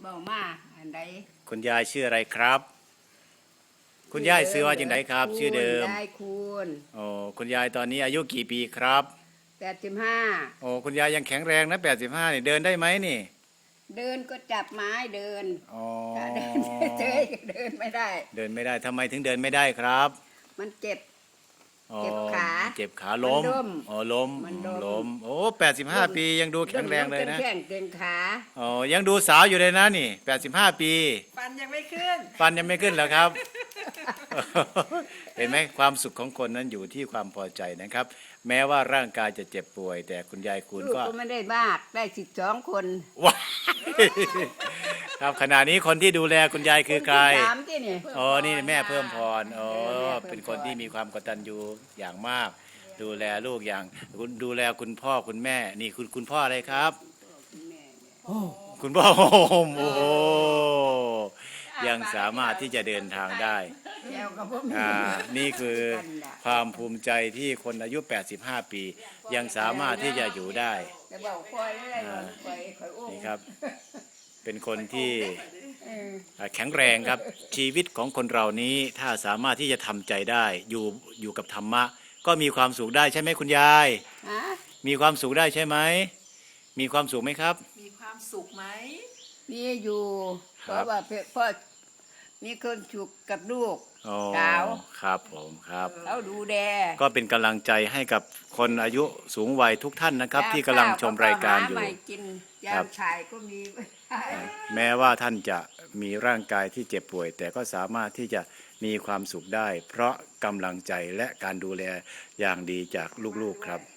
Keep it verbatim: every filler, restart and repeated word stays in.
เบามาอันใดคุณยายชื่ออะไรครับคุณยายชื่อว่าจังไดครับชื่อเดิมยายคูณโอ้คุณยายตอนนี้อายุกี่ปีครับแปดสิบห้าโอ้คุณยายยังแข็งแรงนะแปดสิบห้านี่เดินได้ไหมนี่เดินก็จับไม้เดินอ๋อเดินเฉยๆเดินไม่ได้เดินไม่ได้ทำไมถึงเดินไม่ได้ครับมันเจ็บเจ็บขาเจ็บขาล้มอ๋อล้มล้มโอ้แปดสิบห้าปียังดูแข็งแรงเลยนะแข้งเก่งขาอ๋อยังดูสาวอยู่เลยนะนี่แปดสิบห้าปีฟันยังไม่ขึ้นฟันยังไม่ขึ้นเหรอครับ เห็นไหมความสุขของคนนั้นอยู่ที่ความพอใจนะครับแม้ว่าร่างกายจะเจ็บป่วยแต่คุณยายคุณก็ไม่ได้มากได้สิบสองคนว้าครับขณะนี้คนที่ดูแลคุณยายคือใครอ๋อนี่แม่เพิ่มพรอ๋อเป็นคนที่มีความกตัญญูอย่างมากดูแลลูกอย่างดูแลคุณพ่อคุณแม่นี่คุณคุณพ่ออะไรครับคุณพ่อโอ้โหยังสามารถที่จะเดินทางได้อ่านี่คือความภูมิใจที่คนอายุแปดสิบห้าปียังสามารถที่จะอยู่ได้นี่ครับเป็นคนที่แข็งแรงครับชีวิตของคนเรานี้ถ้าสามารถที่จะทำใจได้อยู่อยู่กับธรรมะก็มีความสุขได้ใช่ไหมคุณยายมีความสุขได้ใช่ไหมมีความสุขไหมครับมีความสุขไหมมีอยู่เพราะว่าพ่อมีคนสุขกับลูกสาวครับผมครับเขาดูแลก็เป็นกำลังใจให้กับคนอายุสูงวัยทุกท่านนะครับที่กำลังชมรายการอยู่ครับชายก็มีแม้ว่าท่านจะมีร่างกายที่เจ็บป่วยแต่ก็สามารถที่จะมีความสุขได้เพราะกำลังใจและการดูแลอย่างดีจากลูกๆครับ